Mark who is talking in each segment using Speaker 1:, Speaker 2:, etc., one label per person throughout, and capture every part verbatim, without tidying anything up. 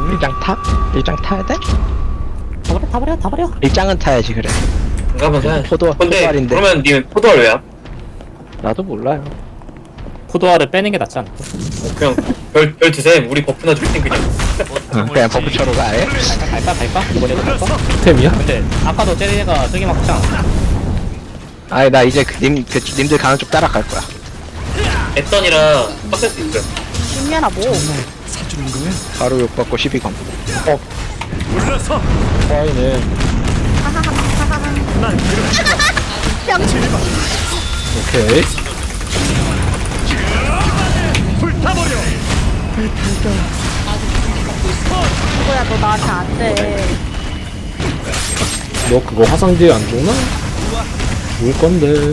Speaker 1: 일장 타? 일장 타야 돼?
Speaker 2: 타버려 타버려 타버려.
Speaker 1: 일장은 타야지 그래.
Speaker 3: 한번 사야
Speaker 1: 포도
Speaker 3: 근데
Speaker 1: 포도알인데.
Speaker 3: 그러면 니 포도알 왜야?
Speaker 1: 나도 몰라요.
Speaker 2: 포도알을 빼는 게 낫지 않을까?
Speaker 3: 그냥 별, 별 드세. 우리 버프나 줄 땐 그냥.
Speaker 1: 응, 그냥 버프처로 가 아예.
Speaker 2: 갈까 갈까 갈까? 이번에도 갈까?
Speaker 4: 템이야?
Speaker 2: 근데 아까도 쟤네가 저기 막 했잖아.
Speaker 1: 아니 나 이제 그 님, 그 님들 가는 쪽 따라갈 거야.
Speaker 3: 애턴이라 빡셀 수 있어요.
Speaker 5: 신년아 뭐
Speaker 1: 바로 욕 받고 시비 검.
Speaker 4: 와이네. 오케이.
Speaker 5: 누구야 너 나한테 안돼.
Speaker 4: 너 그거 화상 뒤에 안 죽나? 죽을 건데.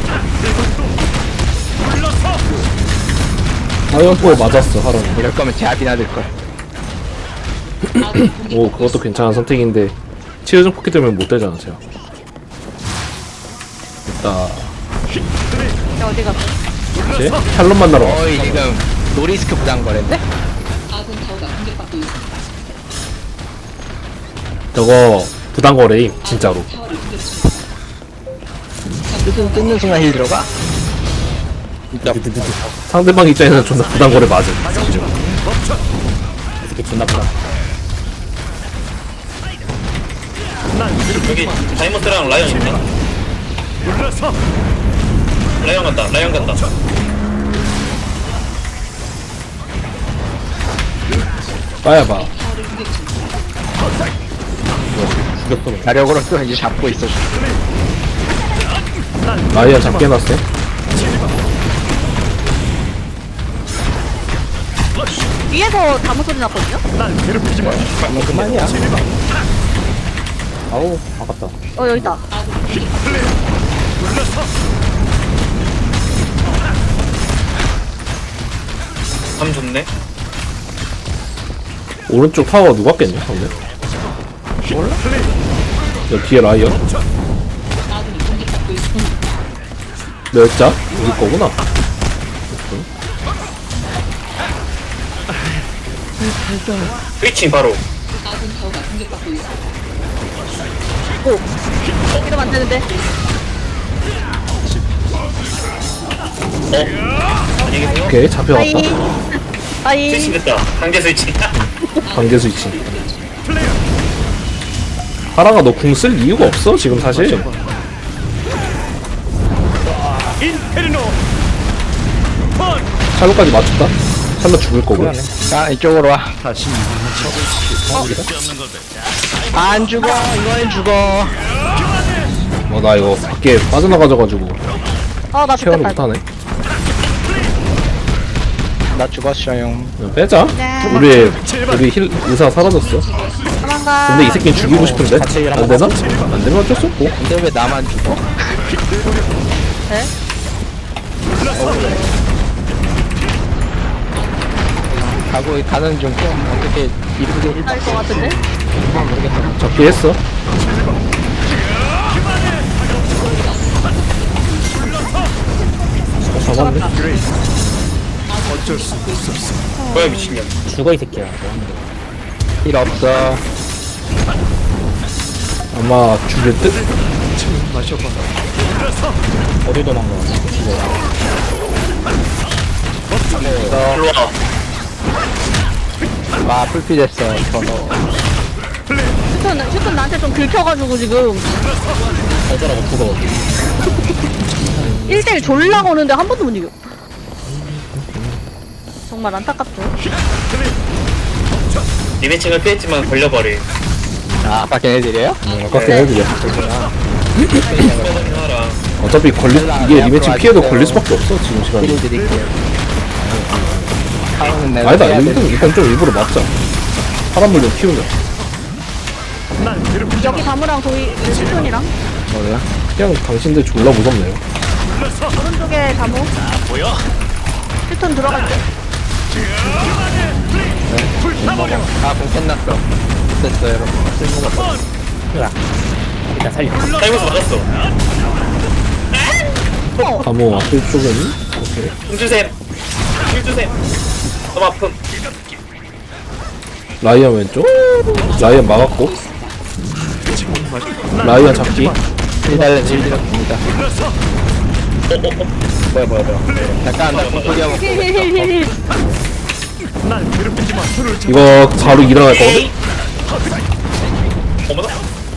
Speaker 4: 화염포에 맞았어, 하랑.
Speaker 1: 이럴 거면 제압이나 들 걸.
Speaker 4: 오, 그것도 괜찮은 선택인데. 치유증 포켓 때문에 못 되잖아, 제가. 됐다.
Speaker 5: 야 어디 갔어?
Speaker 4: 이제 샬롯 만나러 왔어.
Speaker 1: 어이 지금 노리스크 부담 거랬네?
Speaker 4: 저거 부당거래임, 진짜로.
Speaker 1: 뜯는 뜯는 순간 힐 들어가?
Speaker 4: 상대방 입장에서는 존나 부당거래 맞음. 지금.
Speaker 2: 이렇게 존나 크다.
Speaker 3: 여기 다이머스랑 라이언 있네. 라이언 간다. 라이언 간다.
Speaker 4: 빠야봐.
Speaker 2: 죽였어.
Speaker 1: 자력으로 또 이제 잡고 있어.
Speaker 4: 라이언 잡게 해놨어.
Speaker 5: 위에서 다무 소리 났거든요?
Speaker 1: 그만이야.
Speaker 2: 아우 아깝다.
Speaker 5: 어 여기 있다.
Speaker 3: 감 좋네.
Speaker 4: 오른쪽 타워 누가 깼냐, 근데? 몰라? 야, 뒤에 라이언? 몇 자? 우리 거구나.
Speaker 3: 스위칭 바로.
Speaker 5: 이러면 안 되는데.
Speaker 3: 어? 안녕히 계세요.
Speaker 4: 오케이, 잡혀갔다.
Speaker 5: 아이. 아이.
Speaker 3: 스위칭 됐다. 강제 스위칭.
Speaker 4: 관계 스위치. 하랑아, 너 궁 쓸 이유가 없어, 지금 사실. 샬롯까지 맞췄다? 샬롯 죽을 거고.
Speaker 1: 자 이쪽으로 와. 안 죽어. 이거는 죽어.
Speaker 4: 어, 나 이거 밖에 빠져나가져가지고
Speaker 5: 어나
Speaker 4: 케어를
Speaker 5: 죽겠다.
Speaker 4: 못하네.
Speaker 1: 나 죽었어요.
Speaker 4: 그냥 빼자.
Speaker 5: 네.
Speaker 4: 우리, 우리 힐, 의사 사라졌어.
Speaker 5: 도망가.
Speaker 4: 근데 이 새끼는 죽이고 싶은데? 안 되나? 안 되면 어쩔 수 없고.
Speaker 1: 근데 왜 나만 죽어?
Speaker 5: 네?
Speaker 1: 가고 가는 중 좀 어떻게 이쁘게 힐
Speaker 5: 날것 같은데?
Speaker 1: 모르겠어.
Speaker 4: 잡기 했어. 잡았네.
Speaker 3: 뭐야 미친년.
Speaker 2: 죽어 이 새끼야.
Speaker 1: 힐 없어.
Speaker 4: 아마 죽일 듯?
Speaker 2: 어디 도망가?
Speaker 3: 일로 와.
Speaker 1: 와 풀피 됐어. 저너.
Speaker 5: 휴톤 휴톤 나한테 좀 긁혀가지고 지금
Speaker 2: 어쩌라고 죽어.
Speaker 5: 일 대 일 졸라 거는데 한 번도 못 이겨. 정말 안타깝죠.
Speaker 3: 리매칭을 피했지만 걸려버리.
Speaker 1: 아 아까 걔네들이에요?
Speaker 4: 아까 걔네들이야.
Speaker 3: 하라.
Speaker 4: 어차피 걸리, 이게 리매칭 피해도 걸릴 수밖에 없어, 지금 시간이.
Speaker 1: 힐 드릴게요. 타워는 내가
Speaker 4: 아니다,
Speaker 1: 해야
Speaker 4: 일단,
Speaker 1: 되는데.
Speaker 4: 일단 좀 일부러 맞자. 사람 물좀 키우자.
Speaker 5: 여기 다무랑 도희 휴톤이랑
Speaker 4: 뭐야? 그냥 당신들 졸라 무섭네요.
Speaker 5: 오른쪽에 다무. 휴톤 들어갈게.
Speaker 1: 아공 끝났어. 됐어 여러분. 쓸모가 없어.
Speaker 2: 일단 살려.
Speaker 3: 타이머스 맞았어.
Speaker 4: 다모 앞에 쪽은? 오케이.
Speaker 3: 힘주셈. 힘주셈. 너무 아픔.
Speaker 4: 라이언 왼쪽. 라이언 막았고. 라이언 잡기.
Speaker 1: 일 달러 일 들었습니다.
Speaker 2: 뭐야 뭐야 뭐야.
Speaker 1: 잠깐 나 공포기 하고
Speaker 5: 힐힐힐힐.
Speaker 4: 이거 바로 일어날 거거든.
Speaker 3: 어머나.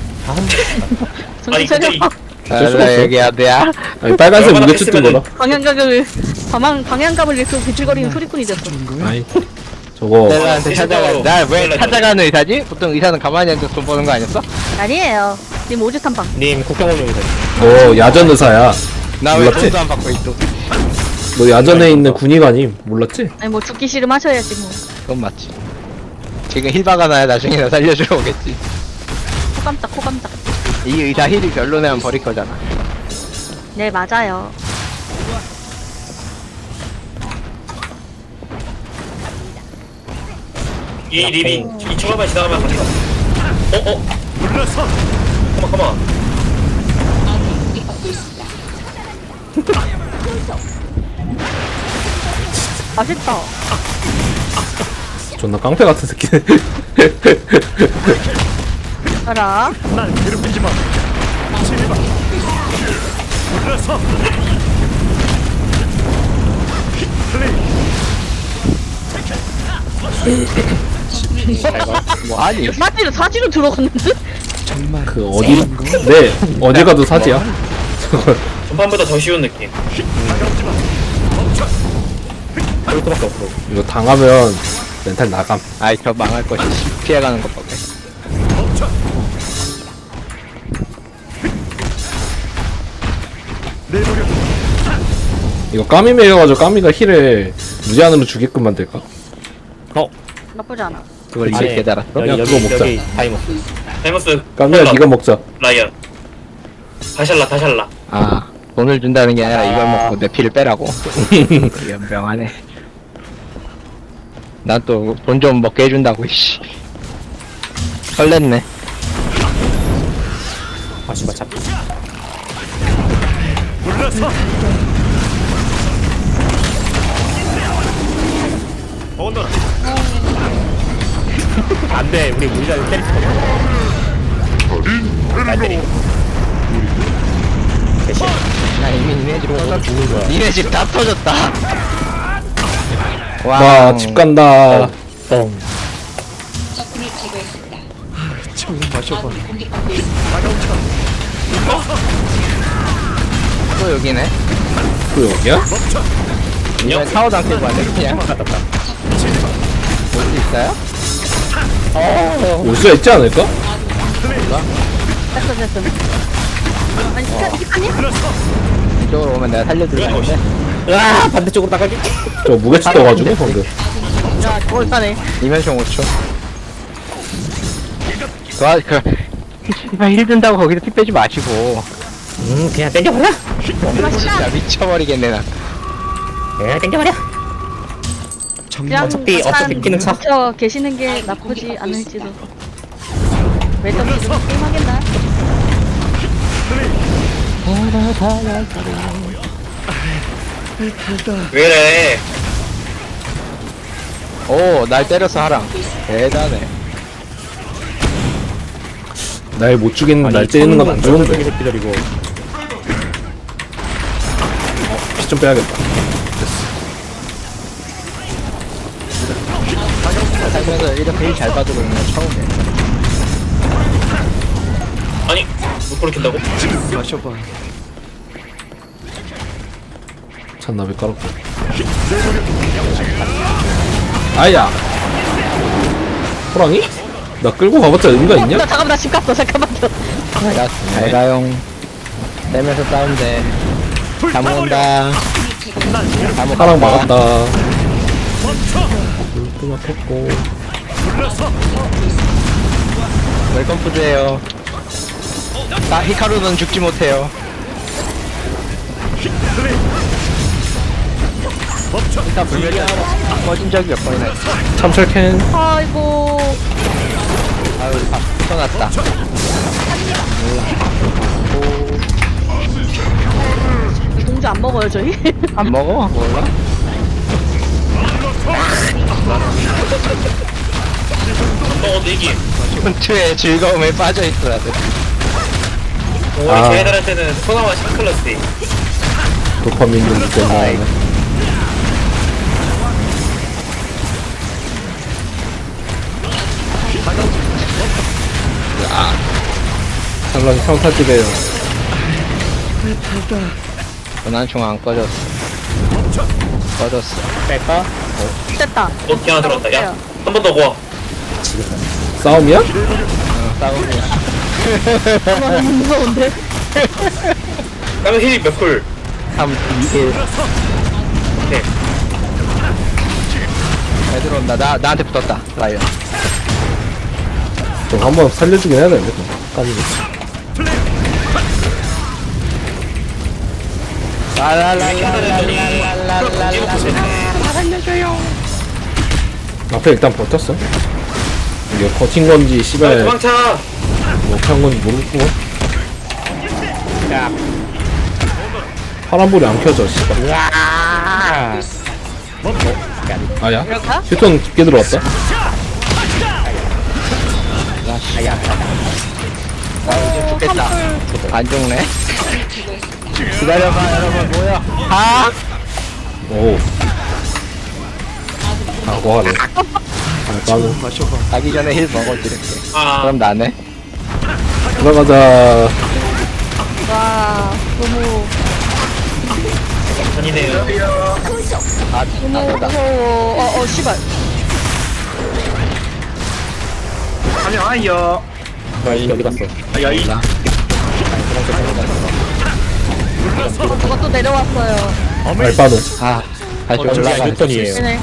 Speaker 5: 정신
Speaker 3: 아니
Speaker 5: 차려.
Speaker 3: 근데 이,
Speaker 4: 어쩔 수가
Speaker 1: 아,
Speaker 4: 없어.
Speaker 1: 여기 어디야?
Speaker 4: 아니 빨간색
Speaker 3: 얼마나
Speaker 4: 무게추 뜬 거라.
Speaker 5: 방향각을 방향 방향감을 잃고 비틀거리는 소리꾼이 됐어.
Speaker 4: 아니 저거
Speaker 1: 셀라한테 찾아가.
Speaker 3: 일시적으로
Speaker 1: 날 왜
Speaker 3: 연락이
Speaker 1: 찾아가는 의사지? 보통 의사는 가만히 앉아서 돈 버는 거 아니었어?
Speaker 5: 아니에요. 님 오지 탐방.
Speaker 2: 님 국경원용이다.
Speaker 4: 너 야전 의사야.
Speaker 1: 나 왜
Speaker 4: 몰랐지?
Speaker 1: 돈도 안 받고 있어?
Speaker 4: 너 야전에 있는 군의관임. 몰랐지?
Speaker 5: 아니 뭐 죽기 싫으면 하셔야지 뭐.
Speaker 1: 그건 맞지. 지금 힐바가 나야 나중에 나 살려주러 오겠지.
Speaker 5: 코 깜짝 코 깜짝.
Speaker 1: 이 의사 힐이 별로내면 버릴 거잖아.
Speaker 5: 네 맞아요.
Speaker 3: 이 립이 이 초반만 지나가면 갑니다. 어 어. 물러서. 가만 가만.
Speaker 5: 맛있다.
Speaker 4: 존나 깡패 같은 새끼.
Speaker 5: 알아.
Speaker 1: 뭐하니?
Speaker 5: 사지로 사지로 들어갔는데?
Speaker 4: 그 어디? 네 어디 가도 사지야.
Speaker 3: 전반보다 더 쉬운 느낌.
Speaker 2: 그럴 수밖에 없어.
Speaker 4: 이거 당하면 멘탈 나감.
Speaker 1: 아이 저 망할 것이 피해가는 것 밖에.
Speaker 4: 이거 까미 매여가지고 까미가 힐을 무제한으로 주게끔 만들까?
Speaker 2: 어.
Speaker 5: 나쁘지 않아.
Speaker 1: 그걸
Speaker 2: 아니,
Speaker 1: 이제 깨달았어?
Speaker 2: 여기
Speaker 4: 야,
Speaker 2: 여기
Speaker 4: 그거 먹자.
Speaker 2: 여기 다이모스.
Speaker 3: 다이머스.
Speaker 4: 까미야
Speaker 3: 콜라,
Speaker 4: 네가 먹자.
Speaker 3: 라이언. 다샬라 다샬라.
Speaker 1: 아 돈을 준다는 게 아니라 이걸 먹고 내 피를 빼라고. 연병하네. 난 또 돈 좀 먹게 해준다고 이씨. 설렜네.
Speaker 2: 아 씨발 잡. 안돼 우리 우리가 때릴 수 없어. 날 때리고. 대신.
Speaker 1: 나 이미 니네 집 터졌. 니네 집 다 터졌다.
Speaker 4: 나 집 간다.
Speaker 2: 뻥.
Speaker 1: 또 여기네.
Speaker 4: 또 여기야?
Speaker 1: 이번에 타워도 안 깨고 왔네 그냥. 올 수 있어요?
Speaker 4: 올 수 있지 않을까?
Speaker 5: 됐어 됐어. 아니 스카 스카님?
Speaker 1: 이쪽으로 오면 내가 살려줄 텐데.
Speaker 2: 아 반대쪽으로 나가기.
Speaker 4: 저 무게추 떠가지고 방금.
Speaker 5: 야 저걸 따네.
Speaker 1: 이면총 오 초. 도와 그 씨발 힐 든다고 거기서 피 빼지 마시고.
Speaker 2: 음 그냥 땡겨버려.
Speaker 1: 진짜 미쳐버리겠네 나.
Speaker 2: 그냥 땡겨버려.
Speaker 5: 그냥
Speaker 2: 어차피-
Speaker 5: 잠깐
Speaker 2: 어차피 끼는 차.
Speaker 5: 묻혀 계시는 게 나쁘지 않을지도. 왜 떡이 좀 게임하겠나?
Speaker 3: 왜래?
Speaker 1: 오, 날 때렸어 하랑. 대단해.
Speaker 4: 날 못 죽이는 날 째리는 건 안 좋은데.
Speaker 2: 새끼들 이거.
Speaker 4: 피 좀 빼야겠다.
Speaker 1: 살면서 이렇게 힐 잘 받고 있는 건 처음이야.
Speaker 3: 아니 못 그렇게 한다고?
Speaker 4: 잔나비 깔았고. 아야. 호랑이? 나 끌고 가봤자 의미가
Speaker 5: 나
Speaker 4: 있냐?
Speaker 5: 잠깐만 나 집 갔어 잠깐만요.
Speaker 1: 야, 잘 가용. 떼면서 싸운대. 다 모은다. 다 모은다.
Speaker 4: 하랑 막았다. 또 막혔고.
Speaker 1: 웰컴 푸드예요. 나 히카루는 죽지 못해요. 일단 불멸이 꺼진 적이 몇 번이나 있어.
Speaker 4: 참철캔.
Speaker 5: 아이고.
Speaker 1: 아, 우리 밥 붙여놨다.
Speaker 5: 공주 안 먹어요 저희?
Speaker 1: 안 먹어? 몰라?
Speaker 3: 어 내기
Speaker 1: 전투의 즐거움에 빠져있더라.
Speaker 3: 우리
Speaker 4: 아.
Speaker 3: 걔네들한테는 소나와 샤클러스
Speaker 4: 도파민 좀 때문에. 샬럿이 평타집에요.
Speaker 1: 전환총 안 꺼졌어. 꺼졌어.
Speaker 2: 뺄까?
Speaker 5: 됐다.
Speaker 3: 너 걔나 들어왔다 야 한 번 더 고아
Speaker 4: 싸움이야?
Speaker 1: 싸움이야.
Speaker 5: 아, 너무 무서운데?
Speaker 3: 까면 힐이 몇풀
Speaker 1: 삼, 이, 일.
Speaker 3: 네.
Speaker 1: 잘 들어온다. 나, 나한테 붙었다. 라이언.
Speaker 4: 좀 한번 살려주긴 해야 되는데. 까지고. 앞에 일단 버텼어. 이게 버틴 건지
Speaker 3: 아
Speaker 4: 씨발
Speaker 3: 도망쳐
Speaker 4: 뭐 한 건지 모르겠고.
Speaker 2: 야.
Speaker 4: 파란불이 안 켜져 씨발.
Speaker 2: 으아.
Speaker 4: 아야?
Speaker 5: 이럴까?
Speaker 4: 휴톤 깊게 들어왔다.
Speaker 2: 아야.
Speaker 1: 죽겠다. 안 죽네. 기다려봐, 여러분, 모여. 아!
Speaker 4: 오. 아, 뭐하래. 아, 나는.
Speaker 1: 가기 전에 힐 먹어지 이렇게.
Speaker 3: 아
Speaker 1: 그럼 나네.
Speaker 4: 들어가자.
Speaker 5: 와, 너무,
Speaker 3: 전이네요
Speaker 1: 아,
Speaker 5: 너무
Speaker 1: 나보다.
Speaker 5: 무서워. 어, 어, 씨발.
Speaker 2: 거의 어디 갔어?
Speaker 5: 누가 또 내려왔어요.
Speaker 4: 알바노.
Speaker 1: 아, 다시
Speaker 2: 어, 진짜
Speaker 1: 올라가.
Speaker 2: 휴톤이에요.
Speaker 5: 네네.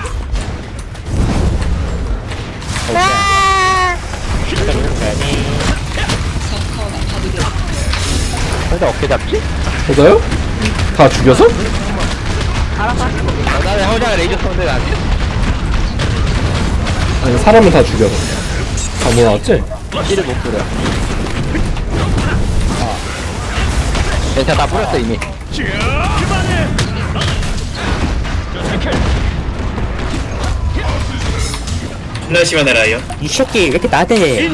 Speaker 1: 혼자 어떻게 잡지?
Speaker 4: 맞아요? 다 죽여서?
Speaker 5: 알아봐.
Speaker 1: 어, 나는 혼자 레이저 쏘는데 안 돼.
Speaker 4: 아니, 사람을 다 죽여서. 다 몰아왔지?
Speaker 1: 힐을 못 뿌려. 아. 네, 다 뿌렸어, 이미.
Speaker 3: 존나 심하네 라이언
Speaker 2: 이 새끼 왜 이렇게 나대?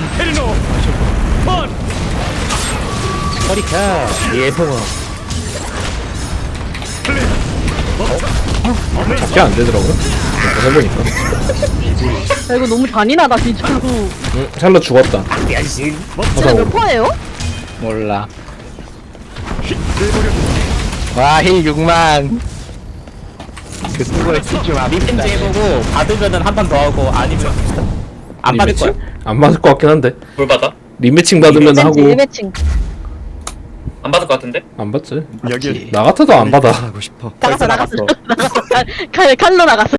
Speaker 2: 허리 펴. 예성아.
Speaker 4: 잡게 안 되더라고요. 한번 해보니까.
Speaker 5: 야, 이거 너무 잔인하다, 진짜로.
Speaker 4: 응, 샬럿 죽었다.
Speaker 2: 야신.
Speaker 5: 진짜 몇 퍼예요?
Speaker 1: 몰라. 와, 힐 육만. 그 수고에 좀
Speaker 2: 리펜즈
Speaker 1: 아쉽다.
Speaker 2: 해보고 받으면은 한 판 더 하고 아니면 안 받을 거야.
Speaker 4: 리매칭? 안 받을 것 같긴 한데.
Speaker 3: 뭘 받아?
Speaker 4: 리매칭 받으면 하고.
Speaker 5: 일매칭.
Speaker 3: 안 받을 것 같은데?
Speaker 4: 안 받지.
Speaker 1: 여기
Speaker 4: 나 같아도 안 받아.
Speaker 5: 나갔어, 나갔어. 나갔어. 칼, 칼로 나갔어.